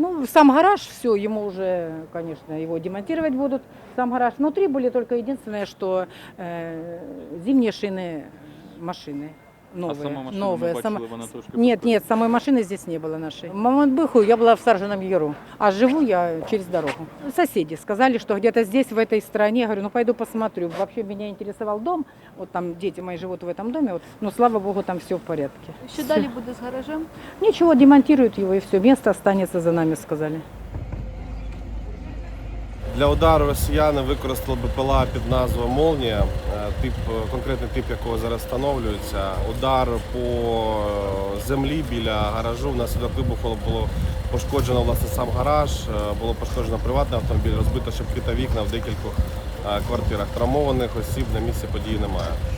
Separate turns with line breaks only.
Ну, сам гараж, все, ему уже, конечно, его демонтировать будут. Сам гараж. Внутри были только единственное, что зимние шины машины.
А сама
Новые,
машина, ми
новые.
бачили, вона трошки
Нет,
пошкоджена.
нет, самой машины здесь не было нашей. В Мамонтбыху я была в Саржином Яру, а живу я через дорогу. Соседи сказали, что где-то здесь, в этой стороне. Я говорю, ну пойду посмотрю. Вообще меня интересовал дом, вот там дети мои живут в этом доме, вот, но слава богу, там все в порядке.
Що далі буде з гаражем?
Ничего, демонтируют его и все, место останется за нами, сказали.
Для удару росіяни використали БПЛА під назвою «Молнія», конкретний тип якого зараз встановлюється. Удар по землі біля гаражу, внаслідок вибуху було пошкоджено власне сам гараж, було пошкоджено приватний автомобіль, розбито шибки та вікна в декількох квартирах. Травмованих осіб на місці події немає.